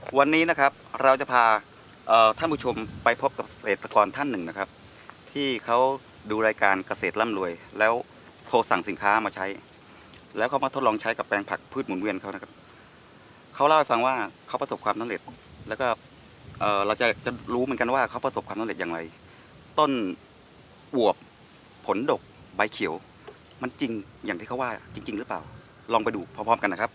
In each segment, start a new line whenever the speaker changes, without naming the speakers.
วันนี้นะครับเราจะพาท่านผู้ชมไปพบกับเกษตรกรท่านหนึ่งนะครับที่เขาดูรายการเกษตรร่ำรวยแล้วโทรสั่งสินค้ามาใช้แล้วเขามาทดลองใช้กับแปลงผักพืชหมุนเวียนเขานะครับเขาเล่าให้ฟังว่าเขาประสบความสำเร็จแล้วก็เราจะรู้เหมือนกันว่าเขาประสบความสำเร็จอย่างไรต้นอวบผลดกใบเขียวมันจริงอย่างที่เขาว่าจริงๆหรือเปล่าลองไปดูพร้อมๆกันนะครับ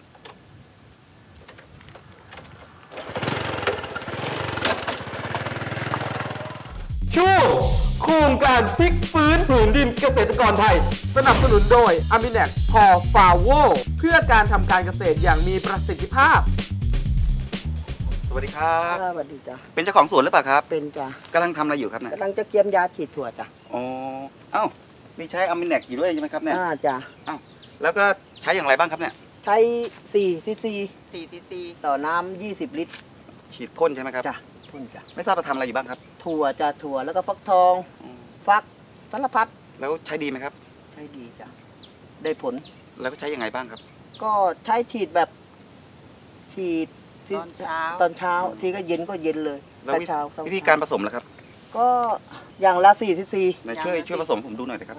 ช่วงโครงการพลิกฟื้นผืนดินเกษตรกรไทยสนับสนุนโดย Aminex พอฟาโวเพื่อการทำการเกษตรอย่างมีประสิทธิภาพ
สวัสดีครับ
สวัสดีจ้ะ
เป็นเจ้าของสวนหรือเปล่าครับ
เป็นจ้ะ
กำลังทำอะไรอยู่ครับเนี่ย
กำลังจะเกียมยาฉีดถั่วจ้ะ
อ๋อเอ้านี่ใช้อามิเน็กอยู่ด้วยใช่ไหมครับเนี่ย
จ้ะ
เอ้าแล้วก็ใช้อย่างไรบ้างครับเนี่ย
ใช้4 cc ต่อน้ำ20 ลิตร
ฉีดพ่นใช่ไหมครับ
จ้ะพ่นจ้ะ
ไม่ทราบว่าทำอะไรอยู่บ้างครับ
ถั่วจ้ะถั่วแล้วก็ฟักทองฟักสารพัด
แล้วใช้ดีไหมครับ
ใช้ดีจ้ะได้ผล
แล้วก็ใช้ยังไงบ้างครับ
ก็ใช้ฉีดแบบฉีดตอนเช้าที่ก็เย็นก็เย็นเลย
แล้ววิธีการผสมล่ะครับ
ก็อย่างละ4 cc
ช่วยผสมผมดูหน่อยนะครับ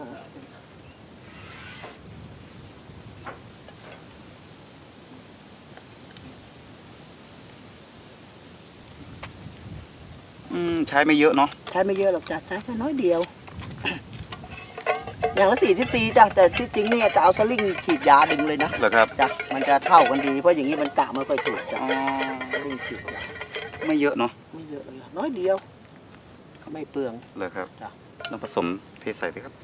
ใช้ไม่เยอะเนาะ
ใช้ไม่เยอะหรอกจ้ะใช้แค่น้อยเดียวอย่างละ4 cc จ้ะแต่ที่จริงนี่จะเอาสลิงฉีดยาดึงเลยนะ
เหรอครับ
จ้ะมันจะเท่ากันดีเพราะอย่างนี้มันกะไม่ค่อยถูกจ้ะสลิงฉีด
ไม่เยอะเนาะ
ไม่เยอะเลยน้อยเดียวไม่เปลือง
เลยครับ
จ้ะ
ลองผสมเทใส่ดิครับ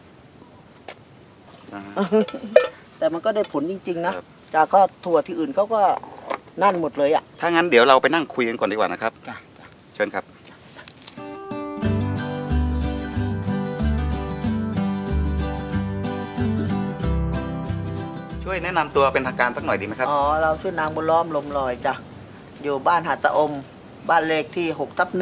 แต่มันก็ได้ผลจริงๆนะจ้ะก็ถั่วที่อื่นเขาก็นั่นหมดเลยอ่ะ
ถ้างั้นเดี๋ยวเราไปนั่งคุยกันก่อนดีกว่านะครับ
จ้ะ
เชิญครับช่วยแนะนำตัวเป็นทางการสักหน่อยดีไหมครับ
อ๋อเราชื่อนางบุญล้อมลมลอยจ้ะอยู่บ้านหาดตะอมบ้านเลขที่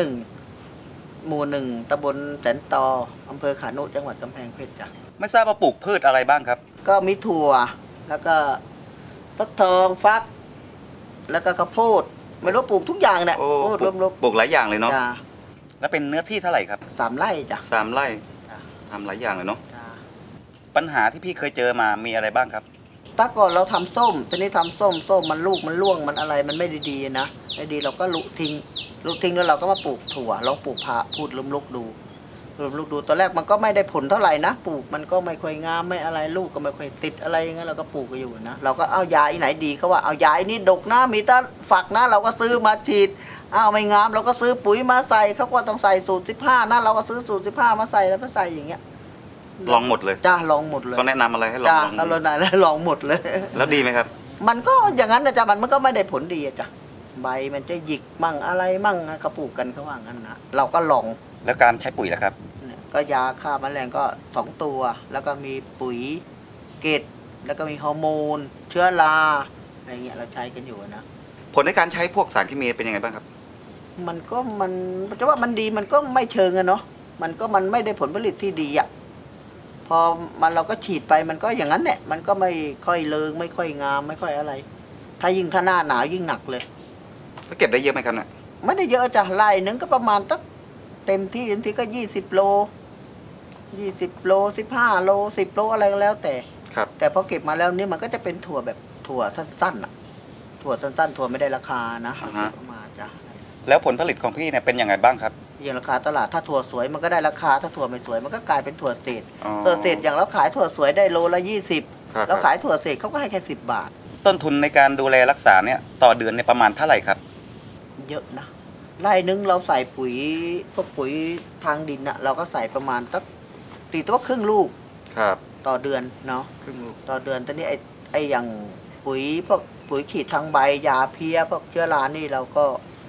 6/1หมู่1ตำบลแสนตออำเภอขานุจังหวัดกำแพงเพชรจ้ะ
ไม่ทราบว่าปลูกพืชอะไรบ้างครับ
ก็มีถั่วแล้วก็ฟักทองฟักแล้วก็ข้าวโพดไม่รู้ปลูกทุกอย่างเนี่ย
ปลูกหลายอย่างเลยเนาะแล้วเป็นเนื้อที่เท่าไหร่ครับ
3 ไร่จ้ะ
3 ไร่ทำหลายอย่างเลยเนาะปัญหาที่พี่เคยเจอมามีอะไรบ้างครับ
ตอนก่อนเราทำส้มตอนนี้ทำส้มมันลูกมันร่วงมันอะไรมันไม่ดีๆนะไม่ดีเราก็ลุทิ้งแล้วเราก็มาปลูกถั่วลองปลูกผักพูดล้มลุกดูตอนแรกมันก็ไม่ได้ผลเท่าไหร่นะปลูกมันก็ไม่ค่อยงามไม่อะไรลูกก็ไม่ค่อยติดอะไรอย่างเงี้ยเราก็ปลูกกันอยู่นะเราก็เอายาไหนดีเขาว่าเอายานี้ดกนะมีแต่ฝักนะเราก็ซื้อมาฉีดไม่งามเราก็ซื้อปุ๋ยมาใส่เขาก็ต้องใส่สูตร15นะเราก็ซื้อสูตร15มาใส่แล้วก็ใส่อย่างเงี้ย
ลองหมดเลย
จ้าลองหมดเลย
เขาแนะนำอะไรให้ลอง
เขาลองแล้วลองหมดเลย
แล้วดีไหมครับ
มันก็อย่างนั้นนะจ้ะมันก็ไม่ได้ผลดีจ้ะใบมันจะหยิกมั่งอะไรมั่งเขาปลูกกันเขาว่างั้นนะเราก็ลอง
แล้วการใช้ปุ๋ยล่ะครับ
ก็ยาฆ่าแมลงก็2 ตัวแล้วก็มีปุ๋ยเกตแล้วก็มีฮอร์โมนเชื้อราอะไรเงี้ยเราใช้กันอยู่นะ
ผลในการใช้พวกสารเคมีเป็นยังไงบ้างครับ
มันจะว่ามันดีมันก็ไม่เชิงอะเนาะมันไม่ได้ผลผลิตที่ดีอะพอเราก็ฉีดไปมันก็อย่างนั้นแหละมันก็ไม่ค่อยเลิงไม่ค่อยงามไม่ค่อยอะไรถ้าหน้าหนาวยิ่งหนักเลย
แล้วเก็บได้เยอะไหมครับเนี่ย
ไม่ได้เยอะจ้ะไร่นึงก็ประมาณตั้งเต็มที่ก็20 โล15 โล10 โลอะไรก็แล้วแต่
ครับ
แต่พอเก็บมาแล้วนี่มันก็จะเป็นถั่วแบบถั่วสั้นๆอ่ะถั่วสั้นๆถั่วไม่ได้ราคานะมาจ้ะ
แล้วผลผลิตของพี่เนี่ยเป็นยังไงบ้างครับ
อย่างราคาตลาดถ้าถั่วสวยมันก็ได้ราคาถ้าถั่วไม่สวยมันก็กลายเป็นถั่วเศษอย่างเราขายถั่วสวยได้โลละ20แล้วขายถั่วเศษเขาก็ให้แค่10 บาท
ต้นทุนในการดูแลรักษาเนี่ยต่อเดือนเนี่ยประมาณเท่าไหร่ครับ
เยอะนะไร่นึงเราใส่ปุ๋ยพวกปุ๋ยทางดินอะเราก็ใส่ประมาณตีตัวครึ่งลูก
ครับ
ต่อเดือนเนาะ
ครึ่งลูก
ต่อเดือนตอนนี้ไอ้อย่างพวกปุ๋ยฉีดทางใบยาเพี้ยพวกเชื้อรานี่เราก็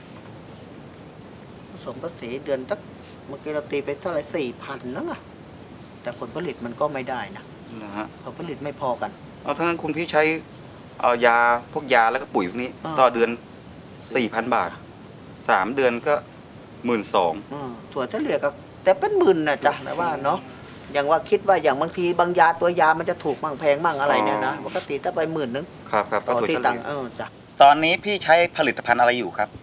ผสมภาษีเดือนเมื่อกี้เราตีไปเท่าไหร่4,000แล้วอะแต่ผลผลิตมันก็ไม่ได้นะผลผลิตไม่พอกัน
ทั้งนั้นคุณพี่ใช้พวกยาแล้วก็ปุ๋ยพวกนี้ต่อเดือน 4,000 บาท3 เดือนก็12,000
ถั่วเฉลี่ยก็แต่เป็นหมื่นนะจ๊ะแต่ว่าเนาะอย่างว่าคิดว่าอย่างบางทีบางยาตัวยามันจะถูกมั่งแพงมั่งอะไรเนี่ยนะปกติถ้าไป10,000 นึง
ครับ
ต่อที่ตังจ้ะ
ตอนนี้พี่ใช้ผลิตภัณฑ์อะไรอยู่ครับ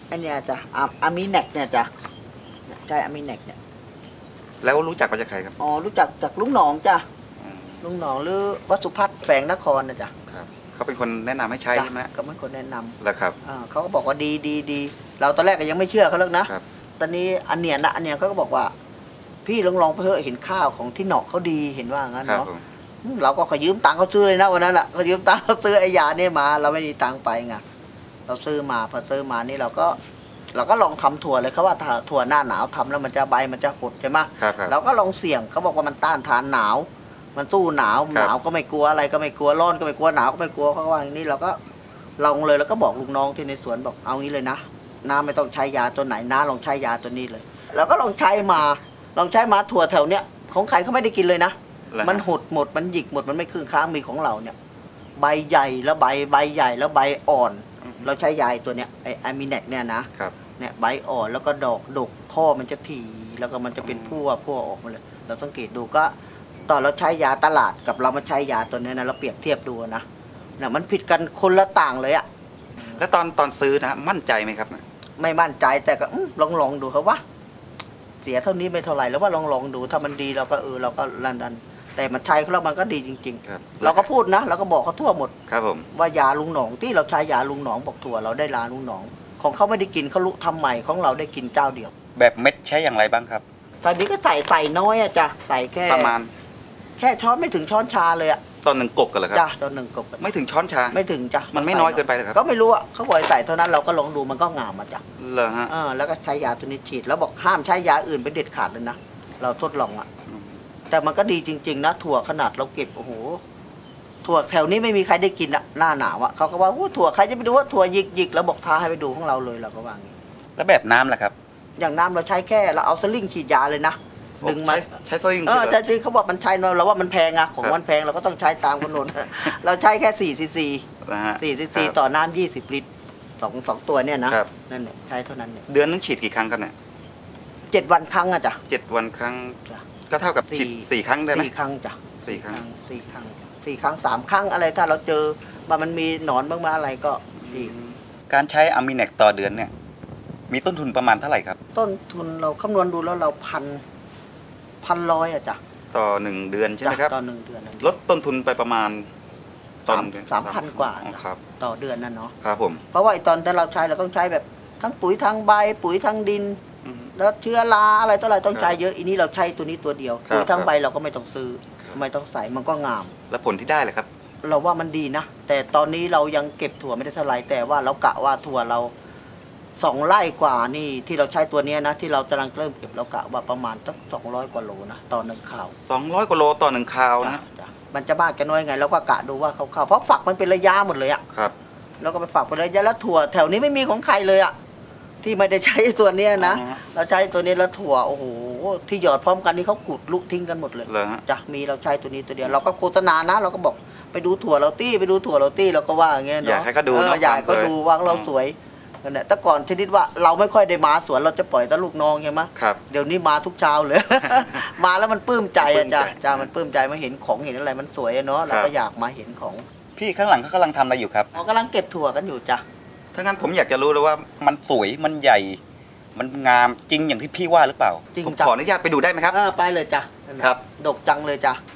ไอเนี่ยจ้ะอามิแนกเนี่ยจ้ะใช่อามิแนกเนี่ย
แล้วรู้จักมาจากใครครับ
อ๋อรู้จักจากลุงหนองจ้ะ
อืม
ลุงหนองหรือวัดสุพัฒน์แฝงนครนะจ้ะ
ครับเขาเป็นคนแนะนำให้ใช้
จ้ะ
ใช่ไหม
ก็เป็นคนแนะนำ
แล้วครับ
เขาก็บอกว่าดีเราตอนแรกก็ยังไม่เชื่อเขาแล้วนะครับ ตอนนี้อันเนียเขาก็บอกว่า พี่ลองไปเถอะเห็นข้าวของที่เหนาะเขาดีเห็นว่างั้น
ครับ
เนาะ
ผม
เราก็ขอยืมตังค์เขาซื้อเลยนะวันนั้นแหละเขายืมตังค์เขาซื้อไอ้ยาเนี่ยมา เราไม่มีตังค์ไปไงเราซื้อมาพอซื้อมานี่เราก็ลองทำถั่วเลยเขาว่าถั่วหน้าหนาวทำแล้วมันจะใบมันจะหดใช่ไหม
ครับ
เราก็ลองเสี่ยงเขาบอกว่ามันต้านทานหนาว มันสู้หนาวหนาวก็ไม่กลัวอะไรก็ไม่กลัวร้อนก็ไม่กลัวหนาวก็ไม่กลัวเขาว่าอย่างนี้เราก็ลองเลยแล้วก็บอกลูกน้องที่ในสวนบอกเอางี้เลยนะน้าไม่ต้องใช้ยาตัวไหนน้าลองใช้ยาตัวนี้เลยแล้วก็ลองใช้มาถั่วแถวเนี้ยของใครเขาไม่ได้กินเลยนะ
แล้ว
มันหดหมดมันหยิกหมดมันไม่ครึ่งค้างมีของเราเนี่ยใบใหญ่แล้วใบใหญ่แล้วใบอ่อน เราใช้ยาตัวเนี้ยไออามิแนกเนี่ยนะครับ เนี่ยใบอ่อนแล้วก็ดอกดกข้อมันจะถี่แล้วก็มันจะเป็นพั่วออกมาเลยเราสังเกตดูก็ตอนเราใช้ยาตลาดกับเรามาใช้ยาตัวนี้นะเราเปรียบเทียบดูนะเนี่ยมันผิดกันคนละต่างเลยอะ
แล้วตอนซื้อนะมั่นใจไหมครับ
ไม่มั่นใจแต่ก็ลองดูครับว่าเสียเท่านี้ไม่เท่าไหร่แล้วว่าลองดูถ้ามันดีเราก็ดันแต่มันใช้แล้วมันก็ดีจริง
ครับ
ๆ เราก็พูดนะเราก็บอกเขาทั่วหมด
ครับผม
ว่ายาลุงหนองที่เราใช้ยาลุงหนองบอกถั่วเราได้ลาลุงหนอง ของเขาไม่ได้กินเขาลุทำใหม่ของเราได้กินเจ้าเดียว
แบบเม็ดใช้อย่างไรบ้างครับ
ตอนนี้ก็ใส่น้อยอะจ้ะใส่แค่
ประมาณ
แค่ช้อนไม่ถึงช้อนชาเลยอะ
ตอนหนึ่งกบกันเหรอครับ
จ้ะตอนหนึ่งกบ
ไม่ถึงช้อนชา
ไม่ถึงจ้ะ
มันไม่น้อยเกินไปเหรอครับ
ก็ไม่รู้อะเขาบอกให้ใส่เท่านั้นเราก็ลองดูมันก็งามอะจ้ะ
เหรอฮะ
แล้วก็ใช้ยาตัวนี้ฉีดแล้วบอกห้ามใช้ยาอื่นเป็นเด็ดขาดเลยนะเราทดลองอะแต่มันก็ดีจริงๆนะถั่วขนาดเราเก็บโอ้โหถั่วแถวนี้ไม่มีใครได้กินอะหน้าหนาวอะเขาก็ว่าถั่วใครจะไปดูว่าถั่วหยิกแล้วบอกท้าให้ไปดูของเราเลยเราก็ว่างี้
แล้วแบบน้ำล่ะครับ
อย่างน้ำเราใช้แค่เราเอาสลิงฉีดยาเลยนะดึงมา
ใช้สลิง
ใช่จริงเขาบอกมันใช้น้อยเราว่ามันแพงอะของมันแพงเราก็ต้องใช้ตามกำหนด เราใช้แค่4 ซีซี
นะฮะ
4 ซีซีต่อน้ำ20 ลิตรสองตัวเนี่ยนะครับ นั่นแหละใช้เท่านั้นเนี่ย
เดือนนึงฉีดกี่ครั้งครับเนี่ย
7 วันครั้งอะจ้ะ
7 วันครั้ง
จ้ะ
ก็เท่ากับฉีดสี่ครั้งได้ไหม
4 ครั้งจ้ะ
สี่ครั้ง
4 ครั้ง4 ครั้ง 3 ครั้งอะไรถ้าเราเจอว่ามันมีหนอนบ้างมาอะไรก็ดี
การใช้อะมิแนกต่อเดือนเนี่ย มีต้นทุนประมาณเท่าไหร่ครับ
ต้นทุนเราคำนวณดูแล้วเรา1,100อะจ้ะ
ต่อ1 เดือนใช่ไหมครับ
ต่อ1 เดือนนั่น
ลดต้นทุนไปประมาณตอนเดือน
3,000 กว่า
อ๋อครับ
ต่อเดือนนั่นเนาะ
ครับผม
เพราะว่าไอ้ตอนที่เราใช้เราต้องใช้แบบทั้งปุ๋ยทั้งใบปุ๋ยทั้งดิน
อืม
แล้วเชื้อราอะไรต่ออะไรต้อง
ครับ
ใช้เยอะอีนี้เราใช้ตัวนี้ตัวเดียว
ครับ
ปุ๋ยทั้ง
ครับ
ใบเราก็ไม่ต้องซื้อ
ครับ
ไม่ต้องใส่มันก็งาม
แล้วผลที่ได้เลยครับ
เราว่ามันดีนะ แต่ตอนนี้เรายังเก็บถั่วไม่ได้เท่าไหร่แต่ว่าเรากะว่าถั่วเรา2 ไร่กว่านี่ที่เราใช้ตัวเนี้ยนะที่เรากำลังเริ่มเก็บเรากะว่าประมาณสัก200 กว่าโลนะต่อ1ข่าว
200 กว่าโลต่อ1คราวนะ
จ้ะมันจะมากจะน้อยไงเราก็กะดูว่าเขาเพราะฝักมันเป็นระยะหมดเลยอะ
ครับ
แล้วก็ไปฝักเป็นระยะแล้วถั่วแถวนี้ไม่มีของใครเลยอะที่ไม่ได้ใช้ตัวเนี้ยนะ
อ๋อ
เราใช้ตัวนี้แล้วถั่วโอ้โหที่หยอดพร้อมกันนี่เขาขุดลุกทิ้งกันหมดเลย
เหรอฮะ
จ้ะมีเราใช้ตัวนี้ตัวเดียวเราก็โฆษณานะเราก็บอกไปดูถั่วเราตี้ไปดูถั่วเราตี้เราก็ว่าอย่างเงี้ยเนาะ
อยากให้เขาดูเนอะ
อยากให้เขาดูว่าเราสวยนั่นแหละแต่ก่อนชนิดว่าเราไม่ค่อยได้มาสวนเราจะปล่อยแต่ลูกน้องใช่ไหม
ครับ
เดี๋ยวนี้มาทุกเช้าเลย มาแล้วมันปลื้มใจอะจ้ะ
ปลื้มใจ
จ้ะมันปลื้มใจมาเห็นของเห็นอะไรมันสวยอะเนาะเรา
ครั
ก็
บ
อยากมาเห็นของ
พี่ข้างหลังเขากำลังทำอะไรอยู่ครับ
เรากำลังเก็บถั่วกันอยู่จ้ะ
ถ้างั้นผมอยากจะรู้เลยว่ามันสวยมันใหญ่ มันงามจริงอย่างที่พี่ว่าหรือเปล่า
จริง
ผม
จ้ะ
ขออนุญาตไปดูได้ไหมครับ
ไปเลยจ้ะนั่นน่ะ
ครับ
ดกจังเลยจ้ะ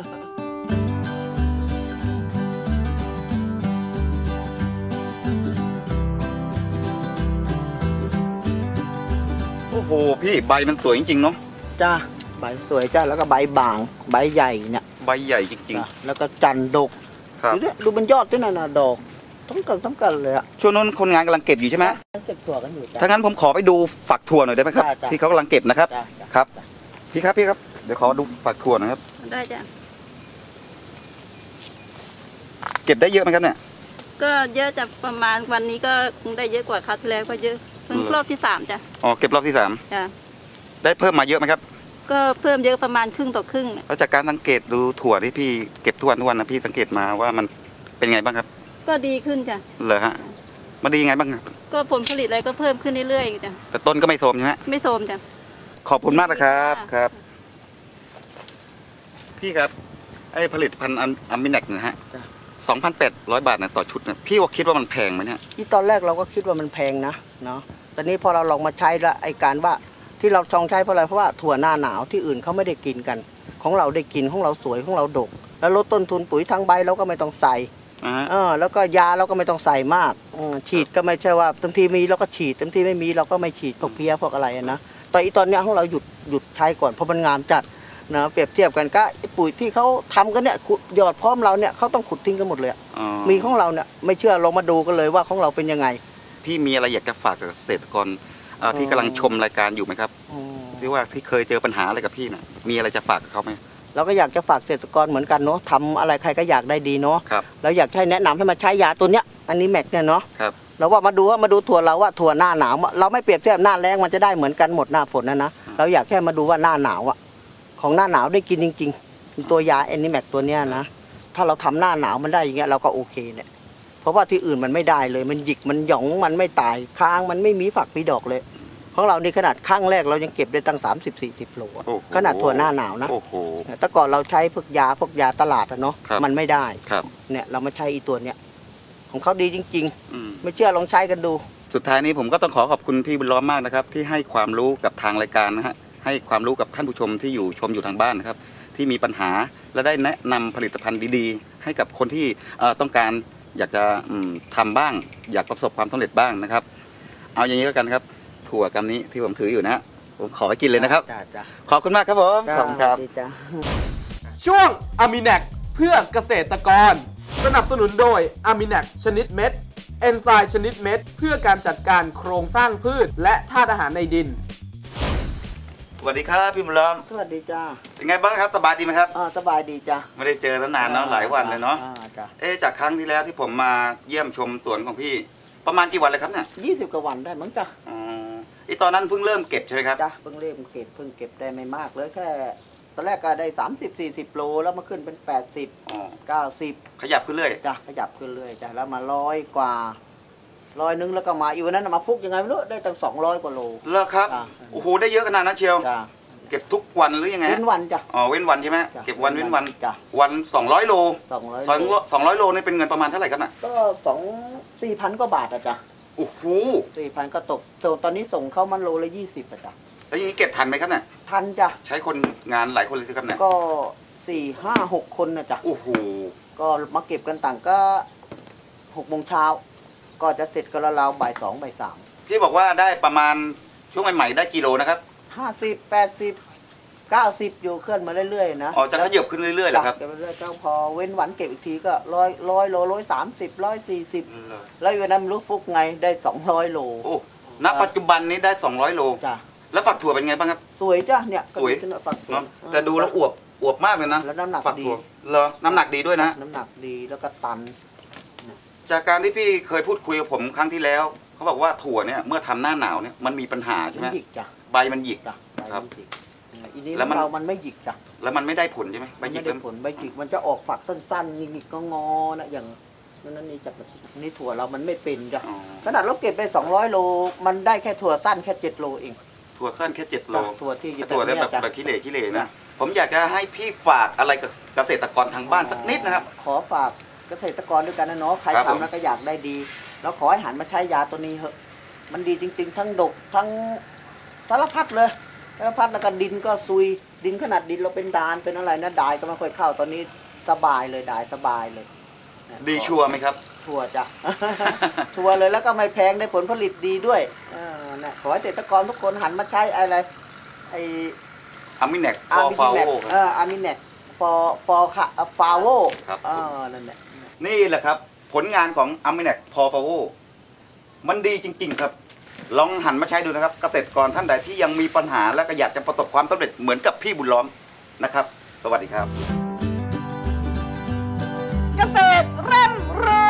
โอ้โหพี่ใบมันสวยจริงๆเนาะ
จ้ะใบสวยจ้ะแล้วก็ใบบางใบใหญ่เนี่ย
ใบใหญ่จริง
จ้ะแล้วก็จันทร์ดก
ๆ ครับ
ดูดิดูเป็นยอดด้วยนะดอกทั้งกันเลยอะ
ช่วงนั้นคนงานกำลังเก็บอยู่ใช่ไหม
เก็บถั่วกันอยู่จ้ะ
ถ้างั้นผมขอไปดูฝักถั่วหน่อยได้ไหมครับ
ได้จ้ะ
ที่เขากำลังเก็บนะครับ
จ้ะจ้ะ
ครับ พี่ครับเดี๋ยวขอดูฝักถั่วหนะครับ
ได้จ้ะ
เก็บได้เยอะไหมครับเนี่ย
ก็เยอะจะประมาณวันนี้ก็คงได้เยอะกว่าคราวที่แล้วก็เยอะเพิ่งรอบที่3จ้ะ
อ๋อเก็บรอบที่
จ้ะ
3ได้เพิ่มมาเยอะไหมครับ
ก็เพิ่มเยอะประมาณครึ่งต่อครึ่งน่ะ
แล้วจากการสังเกตดูถั่วที่พี่เก็บทุกวันนะพี่สังเกตมาว่ามันเป็นไงบ้างครับ
ก็ดีขึ้นจ้ะ
เหรอฮะมันดียังไงบ้างครับ
ก็ผลผลิตอะไรก็เพิ่มขึ้นเรื่อยๆจ้ะ
แต่ต้นก็ไม่โทรมใช่ไหม
ไม่โทรมจ้ะ
ขอบคุณมากนะครับ
ค่ะ
ครับ พี่ครับไอ้ผลิตภัณฑ์อะมิแนกนะฮะ 2,800 บาทนะต่อชุดนะพี่ว่าคิดว่ามันแพงไหมเนี่ย
ที่ตอนแรกเราก็คิดว่ามันแพงนะเนาะตอนนี้พอเราลองมาใช้แล้วไอ้การว่าที่เราชองใช้เพราะอะไรเพราะว่าถั่วหน้าหนาวที่อื่นเขาไม่ได้กินกัน ของเราได้กินของเราสวยของเราดก แล้วลดต้นทุนปุ๋ยทางใบเราก็ไม่ต้องใส่แล้วก็ยาเราก็ไม่ต้องใส่มากฉีดก็ไม่ใช่ว่าเต็มทีมีเราก็ฉีดเต็มทีไม่มีเราก็ไม่ฉีดพวกเพี้ยพวกอะไรนะแต่อีตอนเนี้ยของเราหยุดใช้ก่อนเพราะมันงามจัดนะเปรียบเทียบกันก็ปุ๋ยที่เขาทำกันเนี่ยหยอดพร้อมเราเนี่ยเขาต้องขุดทิ้งกันหมดเลยมีของเราเนี่ยไม่เชื่อลองมาดูกันเลยว่าของเราเป็นยังไง
พี่มีอะไรอยากจะฝากกับเกษตรกรที่กำลังชมรายการอยู่ไหมครับที่ว่าที่เคยเจอปัญหาอะไรกับพี่น่ะมีอะไรจะฝากกับเขาไหม
เราก็อยากจะฝากเกษตรกรเหมือนกันเนาะทำอะไรใครก็อยากได้ดีเนาะเราอยากให้แนะนำให้มาใช้ยาตัวเนี้ยอันนี้แม็กเนี่ยเนาะเราว่ามาดูถั่วเราว่าถั่วหน้าหนาวเราไม่เปรียบเทียบหน้าแล้งมันจะได้เหมือนกันหมดหน้าฝนนะเราอยากแค่มาดูว่าหน้าหนาวอะของหน้าหนาวได้กินจริงๆตัวยาแอนนิแม็กตัวเนี้ยนะถ้าเราทำหน้าหนาวมันได้อย่างเงี้ยเราก็โอเคเนี่ยเพราะว่าที่อื่นมันไม่ได้เลยมันหยิกมันหย่องมันไม่ตายค้างมันไม่มีฝักมีดอกเลยของเรานี่ขนาดข้างแรกเรายังเก็บได้ตั้ง30-40 โลขนาดถั่วหน้าหนาวนะแต่ก่อนเราใช้พวกยาตลาดอะเนาะมันไม่ได้เนี่ยเรามาใช้อีตัวเนี้ยของเขาดีจริงๆไม่เชื่อลองใช้กันดู
สุดท้ายนี้ผมก็ต้องขอบคุณพี่บุญล้อมมากนะครับที่ให้ความรู้กับทางรายการนะฮะให้ความรู้กับท่านผู้ชมที่ชมอยู่ทางบ้านนะครับที่มีปัญหาและได้แนะนำผลิตภัณฑ์ดีๆให้กับคนที่ต้องการอยากจะทำบ้างอยากประสบความสำเร็จบ้างนะครับเอาอย่างนี้แล้วกันครับถั่วกำนี้ที่ผมถืออยู่นะผมขอไปกินเลยนะครับขอบคุณมากครับผมขอบคุณครับ
ช่วงอามิแนกเพื่อเกษตรกรสนับสนุนโดยอามิแนกชนิดเม็ดเอนไซม์ชนิดเม็ดเพื่อการจัดการโครงสร้างพืชและธาตุอาหารในดิน
สวัสดีครับพี่บุญล้อม
สวัสดีจ้า
เป็นไงบ้างครับสบายดีไหมครับ
สบายดีจ้า
ไม่ได้เจอตั้งนานเนาะหลายวันเลยเนาะจากครั้งที่แล้วที่ผมมาเยี่ยมชมสวนของพี่ประมาณกี่วันเลยครับเนี่ย
20 กว่าวันได้มั้งจ้า
ตอนนั้นเพิ่งเริ่มเก็บใช่ไหมครับ
จ้าเพิ่งเริ่มเก็บได้ไม่มากเลยแค่ตอนแรกก็ได้30-40 โลแล้วมาขึ้นเป็น80-90
ขยับขึ้นเรื่อย
จ้าขยับขึ้นเรื่อยจ้าแล้วมา100 กว่า100 นึงแล้วก็มาอีกวันนั้นมาฟุกยังไงไม่รู้ได้ตั้ง200 กว่าโล
เลิกครับโอ้โหได้เยอะขนาดนั้นเชียวเก็บทุกวันหรือยังไง
เว้นวันจ้ะ
เว้นวันใช่ไหมเก็บวันเว้นวันวัน200 โล200 โลนี่เป็นเงินประมาณเท่าไหร่ครับน่ะ
ก็4,000 กว่าบาทอะจ้ะ
โอ้โห
4,000ก็ตกตอนนี้ส่งเข้ามันโลละ20อะจ้ะ
แล้วอย่างนี้เก็บทันไหมครับเนี่ย
ทันจ้ะ
ใช้คนงานหลายคนเลยสิครับเนี่ย
ก็4-5-6 คนนะจ้ะ
โอ้โห
ก็มาเก็บกันต่างก็6 โมงเช้าก็จะเสร็จกันราวๆบ่าย 2 บ่าย 3
พี่บอกว่าได้ประมาณช่วงใหม่ๆได้กิโลนะครับ
50 80 90อยู่เคลื่อนมาเรื่อยๆนะ
จะขยับขึ้นเรื่อยๆเหรอครับ
เก็บเรื่อยๆพอเว้นวันเก็บอีกทีก็100 โล130 140แล้วอยู่นั้นรู้ฟุกไงได้200 โล
โอ้ณปัจจุบันนี้ได้200 โล
จ้ะ
แล้วฝักถั่วเป็นไงบ้างครับ
สวยจ้ะเนี่ย
สวยแต่ดูแล้วอวบมากเลยนะ
แล้วน้ำหนักดี
เหรอน้ำหนักดีด้วยนะ
น้ำหนักดีแล้วก็ตัน
จากการที่พี่เคยพูดคุยกับผมครั้งที่แล้วเขาบอกว่าถั่วเนี่ยเมื่อทำหน้าหนาวเนี่ยมันมีปัญหาใช่ไหมใบมันหยิกครับ
แล้วมันไม่หยิกจ้ะ
แล้วมันไม่ได้ผลใช่ไหม
ใบหยิกผลใบหยิกมันจะออกฝักสั้นๆหยิกก็งอนะอย่างนั้นนี่จากนี่ถั่วเรามันไม่เป็นจ้ะขนาดเราเก็บไป200 โลมันได้แค่ถั่วสั้นแค่7 โลเอง
ถั่วสั้นแค่7 โล
ถั่วที่
แบบขี้เหร่นะผมอยากจะให้พี่ฝากอะไรกับเกษตรกรทางบ้านสักนิดนะครับ
ขอฝากเกษตรกรด้วยกันนะเนาะใครทำแล้วก็อยากได้ดีแล้วขอให้หันมาใช้ยาตัวนี้เถอะมันดีจริงๆทั้งดกทั้งสารพัดเลยสารพัดแล้วก็ดินก็ซุยดินขนาดดินเราเป็นดานเป็นอะไรนะดายก็ไม่ค่อยเข้าตอนนี้สบายเลยดายสบายเลย
ดีชัวร์ไหมครับ
ชัวร์จ้ะชัวร์เลยแล้วก็ไม่แพงได้ผลผลิตดีด้วยนะขอให้เกษตรกรทุกคนหันมาใช้อะไรไอ
อามิแนกฟอร์ฟาโว
อามิแนกฟอร์ค่ะฟาโว
ครับ
นั่นแหละ
นี่แหละครับผลงานของอามิแนกพอร์ฟาโวมันดีจริงๆครับลองหันมาใช้ดูนะครับเกษตรกรท่านใดที่ยังมีปัญหาและก็อยากจะประสบความสำเร็จเหมือนกับพี่บุญล้อมนะครับสวัสดีครับ
เกษตรเร่ำรวย